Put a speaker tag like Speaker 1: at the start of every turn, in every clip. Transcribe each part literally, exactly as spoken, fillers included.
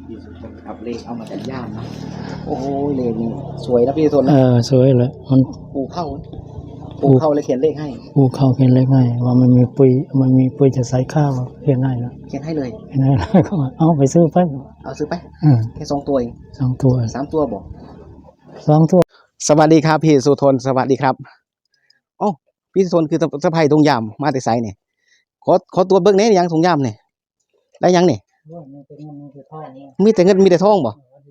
Speaker 1: พี่สุทนครับเลขเอามาจากย่ามนะโอ้โหเลขนี่สวยนะพี่สุทน
Speaker 2: เอ
Speaker 1: นะ
Speaker 2: อสวยเลยมัน
Speaker 1: ปูเข้าปูเข้าเลยเขียนเลขให้
Speaker 2: ปูเข้าเขียนเลขให้ว่ามันมีปุ๋ยมันมีปุ๋ยจะใส่ข้าวเขียนให้แล้ว
Speaker 1: เขียนให้เลย
Speaker 2: เขียนให้แล้วก็ว่าเอาไปซื้อไป
Speaker 1: เอาซื้อไป
Speaker 2: อืม
Speaker 1: แค่สองตัวเอง
Speaker 2: สองตัว
Speaker 1: สามตัวบอก
Speaker 2: สองตัว
Speaker 1: สวัสดีครับพี่สุทนสวัสดีครับโอ้พี่สุทนคือสะพายตรงยามมาแต่ไสเนี่ยขอขอตัวเบิ้งเนี้ยังตรงยามเนี่ยได้ยังเนี่ยมีแต่เงินมีแต่ทองบ่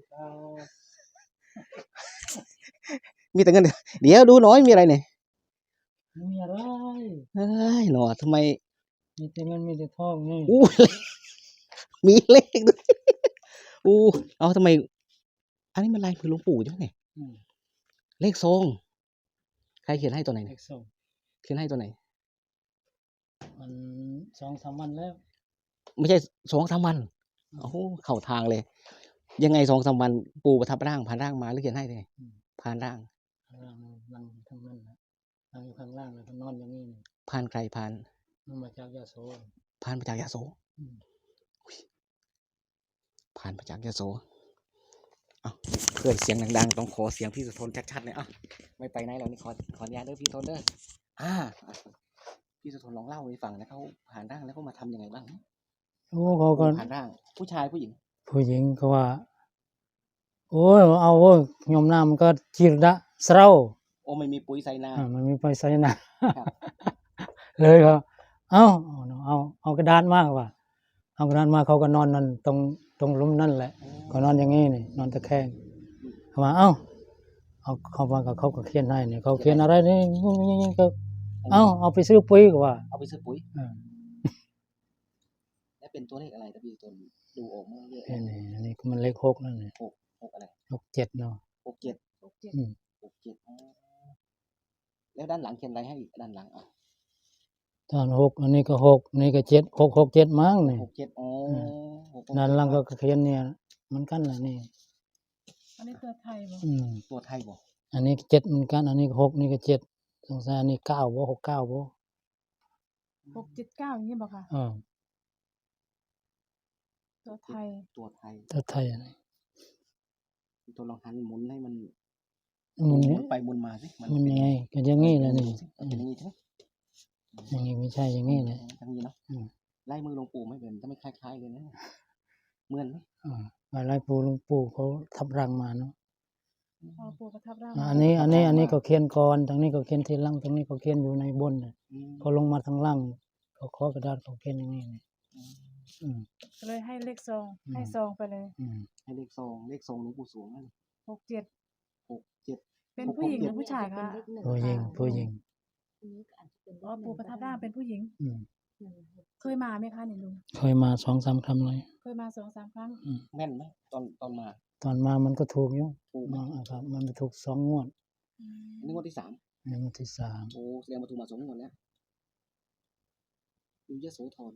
Speaker 1: มีแต่เงินเดี๋ยวดูหน่อยมีอะไรเนี่ย
Speaker 2: มีอะไร
Speaker 1: เฮ้ยหนอทำไม
Speaker 2: มีแต่เงินมีแต่ทองนี่
Speaker 1: อู้มีเลขด้วยอู้เอาทำไมอันนี้มันลายมือหลวงปู่ใช่ไหมเลขทรงใครเขียนให้ตัวไหน
Speaker 2: เลขส่ง
Speaker 1: เขียนให้ตัวไหน
Speaker 2: มันสองสามวันแล้ว
Speaker 1: ไม่ใช่สองสามวันโอ้โหเข้าทางเลยยังไงสองสามวันปู่ประทับร่างผ่านร่างมาหรือเขียนให้เลยผ่านร่าง
Speaker 2: ร่างนั่งทั้งนั้นนะนั่งอยู่ข้างล่างแล้วก็นอนอย่างนี้
Speaker 1: ผ่านใครผ่าน
Speaker 2: มันมาจากยาโส
Speaker 1: ผ่านมาจากยาโสผ่านมาจากยาโสเอาเพื่อนเสียงดังๆต้องขอเสียงพี่สุทนชัดๆเลยอ่ะไม่ไปไหนเรานี่ขอขออนุญาตเด้อพี่สุทนเด้ออ่าพี่สุทนลองเล่าให้ฟังนะเขาผ่านร่างแล้วเขามาทำยังไงบ้าง
Speaker 2: โอ้เขาก็
Speaker 1: ผ่านร่างผู้ชายผู้หญิง
Speaker 2: ผู้หญิงก็ว่าโอ้ยเอาโอ้ยยมน้ำมันก็จีรดะเศร้า
Speaker 1: โอ้ไม่มีปุ๋ยใส่นา
Speaker 2: อ่ามันมีไปใส่นาเลยก็เอาเอาเอากระดานมากว่าเอากระดานมาเขาก็นอนนั่นตรงตรงลุ่มนั่นแหละก็นอนอย่างงี้นี่นอนตะแคงเขาว่าเอ้าเอาเขาว่ากับเขาก็เขียนให้นี่เขาเขียนอะไรนี่ก็เอ้าเอาไปซื้อปุ๋ยก็ว่า
Speaker 1: เอาไปซื้อปุ๋ยแล้วเป็นตัวเลขอะไรตะพี่ตัวดูออกมาเยอะ
Speaker 2: นี่อันนี้มันเลขหกนั่นนี่
Speaker 1: หกหกอะไร
Speaker 2: หกเจ็ดเนาะ
Speaker 1: หกเจ็ดหกเจ็ดหกเจ็ดแล้วด้านหลังเขียนอะไรให้อีกด้านหลังอ่ะ
Speaker 2: ตอนหกอันนี้ก็หกนี่ก็เจ็ดหกหกเจ็ดมั้งนี่
Speaker 1: หกเจ็ดอ๋อ
Speaker 2: ด้านหลังก็เขียนเนี่ยมันกันนะนี่
Speaker 3: อันนี้ตัวไทยบ่
Speaker 2: อืม
Speaker 1: ตัวไทยบ่
Speaker 2: อันนี้เจ็ดเหมือนกันอันนี้หกนี่ก็เจ็ดสงสัยอันนี้เก้าบ่หกเก้าบ่
Speaker 3: หกเจ็ดเก้าอย่างนี้บ่ค่ะ
Speaker 2: อ่า
Speaker 3: ตัวไทย
Speaker 1: ตัวไทย
Speaker 2: ตัวไทยอันนี้
Speaker 1: ตัวลองหันหมุนให้มัน
Speaker 2: หมุน
Speaker 1: ไปหมุนมาสิ
Speaker 2: มันยังไงก็อย่างงี้แหละนี่
Speaker 1: อย่างนี้ใช่ไหม
Speaker 2: อย่างนี้ไม่ใช่อย่างนี้เลย
Speaker 1: อย่างนี้เนาะไล่มือหลวงปู่ไม่เป็นถ้าไม่คล้ายๆเลยนะเหมือนไหม
Speaker 2: อ่าไล่ปู่หลวงปู่เขาทับรังมาเนาะ
Speaker 3: พอปู่ประทับร่าง
Speaker 2: อันนี้อันนี้อันนี้ก็เขียนก่อนทางนี้ก็เขียนทีหลังทางนี้ก็เขียนอยู่ในบนพอลงมาทางล่างเขาขอกระดาษเขาเขียนอย่างนี้นี่
Speaker 3: ก็เลยให้เลขซองให้ซองไปเลย
Speaker 1: ให้เลขซองเลขซองหลวงปู่สวงนั่น
Speaker 3: หกเจ็ด
Speaker 1: หกเจ็ด
Speaker 3: เป็นผู้หญิงหรือผู้ชายคะ
Speaker 2: ผู้หญิงผู้หญิง
Speaker 3: อ๋อปู่ประทับร่างเป็นผู้หญิงเคยมาไหมคะนี่ลุง
Speaker 2: เคยมาสองสามครั้งเลย
Speaker 3: เคยมาสองสามครั้ง
Speaker 1: แม่นไหมตอนตอนมา
Speaker 2: ตอนมามันก็ถูกอยู่มาครับมันไปถูกสองงวด
Speaker 1: นี่งวดที่สาม
Speaker 2: นี่งวดที่สาม
Speaker 1: โอ้แสดงว่าถูกมาสองงวดแล้วอยู่ยะโสธร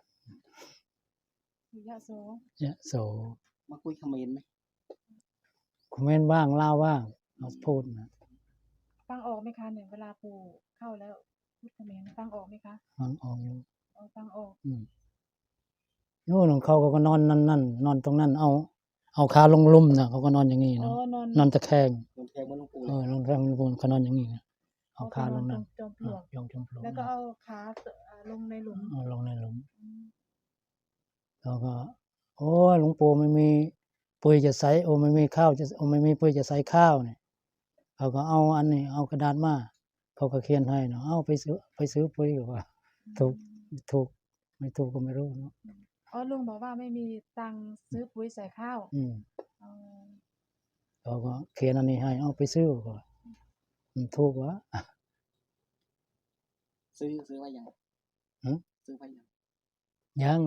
Speaker 3: อยู่ยะโส
Speaker 2: ยะโส
Speaker 1: มาคุยคอมเมนต์ไหม
Speaker 2: คอมเมนต์บ้างเล่าบ้างเราพูดนะ
Speaker 3: ฟังออกไหมคะเนี่ยเวลาปู่เข้าแล้วพูดคอมเมนต์ฟังออกไหมคะ
Speaker 2: ฟังออกอยู่
Speaker 3: ฟังออก
Speaker 2: อืมนู่นของเขาก็นอนนั่นนั่นนอนตรงนั้นเอาเอาขาลงลุ่มนะเขาก็นอนอย่างนี้เนาะนอนตะแคง
Speaker 1: นอนตะแคงเหมือนหลวงปู่
Speaker 2: เออนอนตะแคงเหมือนหลวงปู่เขานอนอย่างนี้นะเอาขาลงนั่น
Speaker 3: จอมปลวก
Speaker 2: ยองจอมปลวก
Speaker 3: แล้วก็เอาขาลงในหลุม
Speaker 2: เอาลงในหลุมแล้วก็โอ้หลวงปู่ไม่มีปุ๋ยจะใส่โอ้ไม่มีข้าวจะโอ้ไม่มีปุ๋ยจะใส่ข้าวเนี่ยเขาก็เอาอันนี้เอากระดาษมาเขาก็เขียนให้เนาะเอาไปซื้อไปซื้อปุ๋ยก็ว่าถูกถูกไม่ถูกก็ไม่รู้เนาะ
Speaker 3: อ๋อลุงบอกว่าไม่มีตังค์ซื้อปุ๋ยใส่ข้าว
Speaker 2: อืมเขาก็เขียนอันนี้ให้เอาไปซื้อก็มันถูกวะ
Speaker 1: ซื้อซื้อไว้ยังซื้อไว้ยัง
Speaker 2: ยัง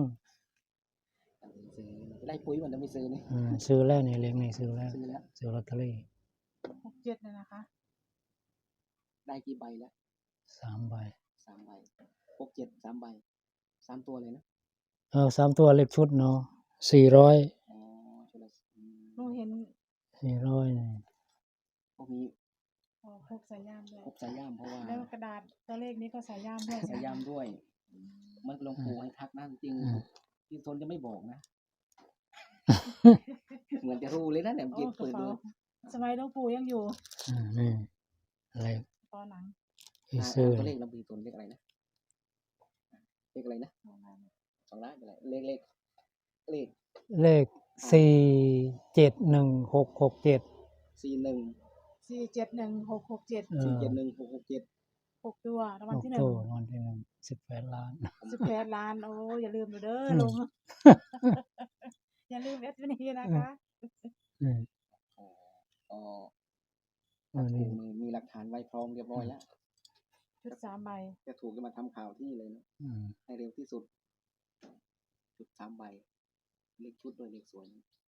Speaker 1: ได้ปุ๋ยมันจะไม่ซื้อนี่
Speaker 2: ซื้อแล้วนี่เลี้ยงนี่ซื้อแล้วซื้อลอตเตอรี่
Speaker 3: หกเจ็ดเลยนะคะ
Speaker 1: ได้กี่ใบแล้ว
Speaker 2: สามใบ
Speaker 1: สามใบหกเจ็ดสามใบสามตัวเลยนะ
Speaker 2: เออสามตัวเล็กชุดเนาะสี่ร้อย
Speaker 1: อ๋อชุดละ
Speaker 3: ลุงเห็น
Speaker 2: สี่ร้อยนี่
Speaker 1: พวกนี้
Speaker 3: อ๋อพกสายย่ามด้วย
Speaker 1: พกสายย่ามเพราะว่า
Speaker 3: แล้วกระดาษตัวเลขนี้ก็สายย่ามด้วย
Speaker 1: สายย่ามด้วยมันหลวงปู่ให้ทักนั่นจริงพี่ทนจะไม่บอกนะเหมือนจะรู้เลยนะเนี่ย
Speaker 3: โอ้
Speaker 1: เก็บ
Speaker 3: กระ
Speaker 1: เปิด
Speaker 3: เป๋า
Speaker 1: ดู
Speaker 3: สมัยหลวงปู่ยังอยู่
Speaker 2: อ่านี่อะไร
Speaker 3: กระเป๋าหนัง
Speaker 2: ที่
Speaker 1: อ่า
Speaker 2: ซื้อ
Speaker 1: ตัวเลขเรามีตัวเลขอะไรนะเลขอะไรนะสองล้านอะไรเลขเลขเลข
Speaker 2: เลขสี่เจ็ดหนึ่งหกหกเจ็ด
Speaker 1: สี่หนึ่ง
Speaker 3: สี่เจ็ดหนึ่งหกหกเจ็ด
Speaker 1: สี่เจ็ดหนึ่งหกหกเจ็ด
Speaker 3: หกตัวรางวัล
Speaker 2: หก
Speaker 3: ที่หนึ่
Speaker 2: ตั
Speaker 3: ง
Speaker 2: วรางวัลที่หนึ่งสิบแปดล้าน
Speaker 3: สิบแปดล้านโอ้อย่าลืมเด้อ
Speaker 2: อืม
Speaker 3: ลุง อย่าลืมเอสพีนีนะคะ
Speaker 2: อืม
Speaker 1: อ๋ออ๋อ
Speaker 2: อัน
Speaker 1: ถู
Speaker 2: นี้
Speaker 1: กมีมีหลักฐานไว้พร้อมเรียบร้อยแล้ว
Speaker 3: ชุดสามใบ
Speaker 1: จะถูกจะมาทำข่าวที่เลยนะ
Speaker 2: อืม
Speaker 1: ให้เร็วที่สุดชุดสามใบเลขชุดด้วยเลขสวย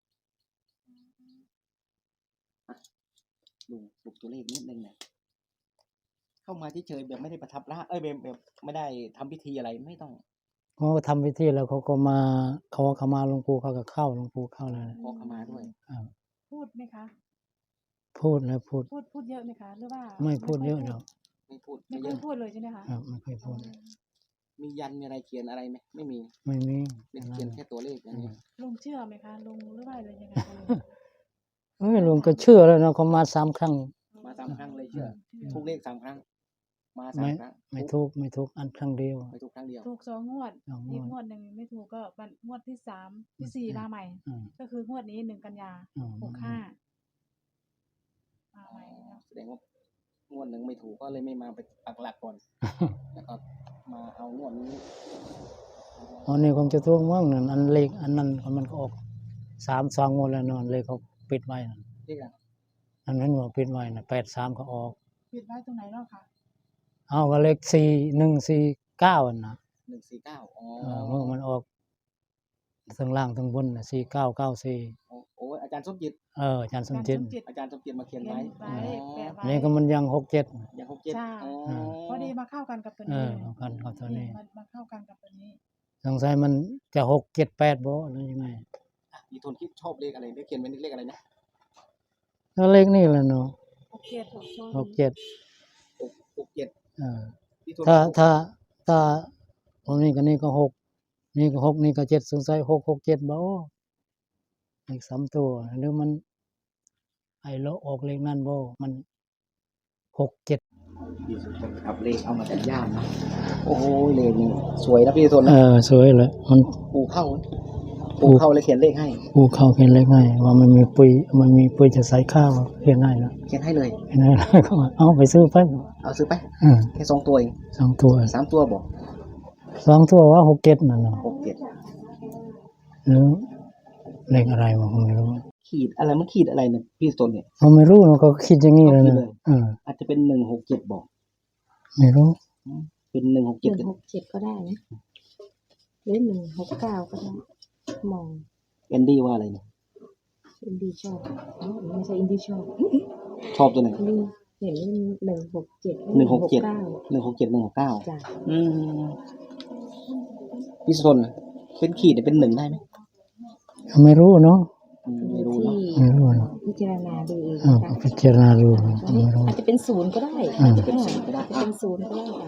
Speaker 1: อ่ะลุงปลุกตัวเลขนิดนึงนะเข้ามาเฉยๆแบบไม่ได้ประทับร่างเอ้ยแบบแบบไม่ได้ทำพิธีอะไรไม่ต้อง
Speaker 2: เขาก็ทำพิธีแล้วเขาก็มาเขาก็เขามาหลวงปู่เขาก็เข้าหลวงปู่เข้าเลย
Speaker 1: ขอเข้ามาด้วย
Speaker 2: ครับ
Speaker 3: พูดไหมคะ
Speaker 2: พูดแล้วพูด
Speaker 3: พูดพูดเยอะไหมคะ หรือว่า
Speaker 2: ไม่พูด
Speaker 3: ค่
Speaker 2: เยอะหรอก
Speaker 1: ไม่พูด
Speaker 3: ไม่
Speaker 1: ไม่เย
Speaker 3: ค่อย
Speaker 1: อะ
Speaker 3: พูดเลยใช่ไหมคะ
Speaker 2: ครับไม่ค่อยพูด
Speaker 1: มียันมีอะไรเขียนอะไรไหมไม่มี
Speaker 2: ไม่มี
Speaker 1: เป็น
Speaker 2: อะไร
Speaker 1: เขียนแค่ตัวเลขอย่างนี้
Speaker 3: ลุงเชื่อไหมคะลุงหรือว่าอะไรยังไงคะลุง
Speaker 2: เอ้ยลุงก็เชื่อแล้วนะเขามาสามครั้ง
Speaker 1: มาสามครั้งเลยเชื่อ
Speaker 3: เชื่อ
Speaker 1: ทุกเลขสามครั้ง มาสา
Speaker 2: ไม่
Speaker 1: มครั้ง
Speaker 2: ไม่ทุกไม่ทุกอันครั้งเดียว
Speaker 1: ไม่ถูกครั้งเดียว
Speaker 3: ถูกสองงวด
Speaker 2: สองง
Speaker 3: อีก
Speaker 2: วด
Speaker 3: งวดหนึ่งไม่ถูกก็วันงวดที่สามที่สี่มาใหม่
Speaker 2: อืม
Speaker 3: ก็คืองวดนี้หนึ่งกันยา
Speaker 2: อืม
Speaker 3: หกห้ามาใหม่นะครับ
Speaker 1: แสดงว่างวดหนึ่งไม่ถูกก็เลยไม่มาไปปักหลักก่อน แล้วก็มาเอางวดนี้
Speaker 2: อันนี้คงจะทุกมั่งนั่นอันเลขอันนั้นมันก็ออกสามสองงวดแล้วนอนเลขเขาปิดไว้นั่น
Speaker 1: เลขอะไร
Speaker 2: อันนั้นว่าปิดไว้นะแปดสามก็ออก
Speaker 3: ปิดไว้ตรงไหนเนาะคะ
Speaker 2: เอาก็เลขสี่หนึ่งสี่เก้าอันนะ
Speaker 1: หนึ่งสี่เก้าอ๋อ
Speaker 2: เออเมื่อมันออกทั้งล่างทั้งบนนะสี่เก้าเก้าสี่
Speaker 1: โอ้โอ้อาจารย์สมจิต
Speaker 2: เอออาจารย์สม
Speaker 3: การ
Speaker 2: จิต
Speaker 3: สมจิต
Speaker 1: อาจารย์สมจิตมาเขียน
Speaker 3: เขีย
Speaker 1: ไว้
Speaker 3: นไว้แปะไว้
Speaker 2: นี่ก็มันยังหกเจ็ด
Speaker 1: อย่างหกเจ็ด
Speaker 3: ใช่
Speaker 1: อ๋อ
Speaker 3: พอดีมาเข้ากันกับตัว
Speaker 2: เอ
Speaker 3: นี้
Speaker 2: อเอากันกับตัวนี้
Speaker 3: มามาเข้ากันกับตัวนี้
Speaker 2: สงสัยมันจะหกเจ็ดแปดบ่หรือยังไง
Speaker 1: อ่ะพี่ทนคิดชอบเลขอะไรได้เขียนไว้เลขอะไรนะ
Speaker 2: แล้วเลขนี่แหละเนาะ
Speaker 3: หกเจ็ดหกโชว์
Speaker 2: หกเจ็ด
Speaker 1: หกหกเจ็ด
Speaker 2: เออ
Speaker 1: พี่ทน
Speaker 2: ถ้าถ้าถ้าตรงนี้ก็นี่ก็หกนี่ก็หกนี่ก็เจ็ดสงสัยหกหกเจ็ดบ่อีกสามตัวหรือมันไอ้โลออกเลขนั่นบ่มันหกเจ็ด
Speaker 1: พี่สุทนครับเลขเอามาจากย่ามนะโอ้โหเลขนี่สวยนะพี่สุทน
Speaker 2: เอ
Speaker 1: นะ
Speaker 2: อสวยเลยมัน
Speaker 1: ปูเข้าปูเข้าเลยเขียนเลขให้
Speaker 2: ปูเข้าเขียนเลขง่ายว่ามันมีปุ๋ยมันมีปุ๋ยจะใส่ข้าวเขียนง่ายนะ
Speaker 1: เขียนให้เลย
Speaker 2: เขียนง่ายแล้วก็เอาไปซื้อไป
Speaker 1: เอาซื้อไป
Speaker 2: อืม
Speaker 1: แค่สองตัวเอง
Speaker 2: สองตัว
Speaker 1: สามตัวบอก
Speaker 2: สองตัวว่าหกเจ็ดนั่นเนาะ
Speaker 1: หกเจ็ด
Speaker 2: หรือเลขอะไรวะผมไม่รู้
Speaker 1: ขีดอะไรมันขีดอะไรเนี่ยพี่สุทนเนี่ย
Speaker 2: ผมไม่รู้เนาะเขาคิดอย่างนี้เลย
Speaker 1: เขาคิด
Speaker 2: นะ
Speaker 1: เลย
Speaker 2: เออ
Speaker 1: อาจจะเป็นหนึ่งหกเจ็ดบอก
Speaker 2: ไม่รู้
Speaker 1: เป็นหนึ่งหก
Speaker 4: ห
Speaker 1: เจ็ด
Speaker 4: นึ่งหกเจ็ดก็ได้นะหรือหนึ่งหกเก้าก็ได้ มอง
Speaker 1: แอนดี้ว่าอะไรเนี่ย
Speaker 4: อินดี้ชอบอ๋อไม่ใช่อินดี้ชอบ
Speaker 1: ชอบตัวไหน
Speaker 4: นี่เห็นหนึ่งหกเจ็ด
Speaker 1: หนึ่งหกเจ็ด
Speaker 4: เก้า
Speaker 1: หนึ่งหกเจ็ดหนึ่งหกเก้า
Speaker 4: จ้ะ
Speaker 1: อืมพี่สุทนเป็นขีดเนี่ยเป็นหนึ่งได้ไหม
Speaker 2: ไม่รู้เนาะ
Speaker 1: อืมไม่รู้
Speaker 4: ที่
Speaker 1: เนาะ
Speaker 2: ไม่รู้เนาะ
Speaker 4: พิจารณาดูเอง
Speaker 2: เออ
Speaker 4: นะคะ
Speaker 2: พิจารณาดู
Speaker 4: อันนี้
Speaker 2: ไม่รู้
Speaker 4: อาจจะเป็นศูนย์ก็ได้
Speaker 2: อืม
Speaker 4: อาจจะเป็นศูนย์ก็ได้อาจจะเป็นศูนย์ก็ได้ค่ะ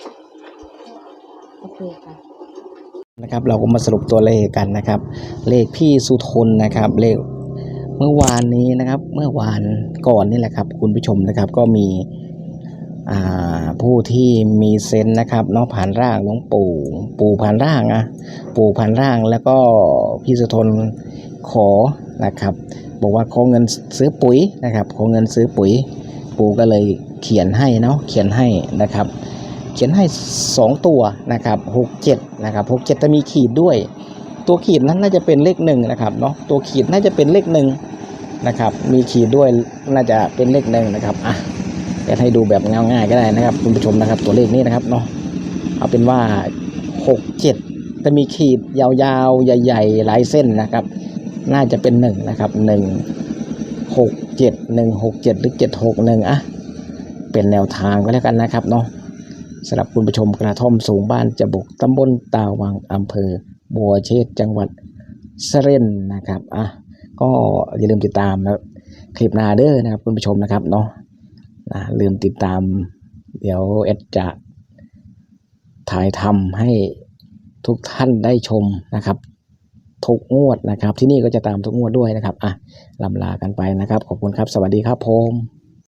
Speaker 4: โอเคค่ะ
Speaker 1: นะครับ เราก็มาสรุปตัวเลขกันนะครับ เลขพี่สุทนนะครับ เลขเมื่อวานนี้นะครับ เมื่อวานก่อนนี่แหละครับ คุณผู้ชมนะครับ ก็มีอ่าผู้ที่มีเซนส์นะครับเนาะผ่านร่างหลวงปู่ปู่ผ่านร่างนะปู่ผ่านร่างแล้วก็พี่สุทนขอนะครับ บอกว่าขอเงินซื้อปุ๋ยนะครับขอเงินซื้อปุ๋ย ปู่ก็เลยเขียนให้เนาะเขียนให้นะครับ เขียนให้สองตัวนะครับหกเจ็ดนะครับหกเจ็ดจะมีขีดด้วย ตัวขีดนั้นน่าจะเป็นเลขหนึ่งนะครับเนาะตัวขีดน่าจะเป็นเลขหนึ่งนะครับ มีขีดด้วยน่าจะเป็นเลขหนึ่งนะครับอ่ะจะให้ดูแบบง่ายๆก็ได้นะครับคุณผู้ชมนะครับ ตัวเลขนี้นะครับเนาะเอาเป็นว่าหกเจ็ดจะมีขีดยาวๆใหญ่ๆหลายเส้นนะครับ น่าจะเป็นหนึ่งนะครับหนึ่งหกเจ็ดหนึ่งหกเจ็ดหรือเจ็ดหกหนึ่งอ่ะเป็นแนวทางก็แล้วกันนะครับเนาะสำหรับคุณผู้ชมกระท่อมสูงบ้านจะบุกตำบลตาวังอำเภอบัวเชษจังหวัดสระบุรีนะครับอ่ะก็อย่าลืมติดตามนะคลิปหน้าเด้อนะครับคุณผู้ชมนะครับเนาะนะลืมติดตามเดี๋ยวเอ็ดจะถ่ายทำให้ทุกท่านได้ชมนะครับทุกงวดนะครับ ที่นี่ก็จะตามทุกงวดด้วยนะครับอ่ะลำลากันไปนะครับขอบคุณครับสวัสดีครับผม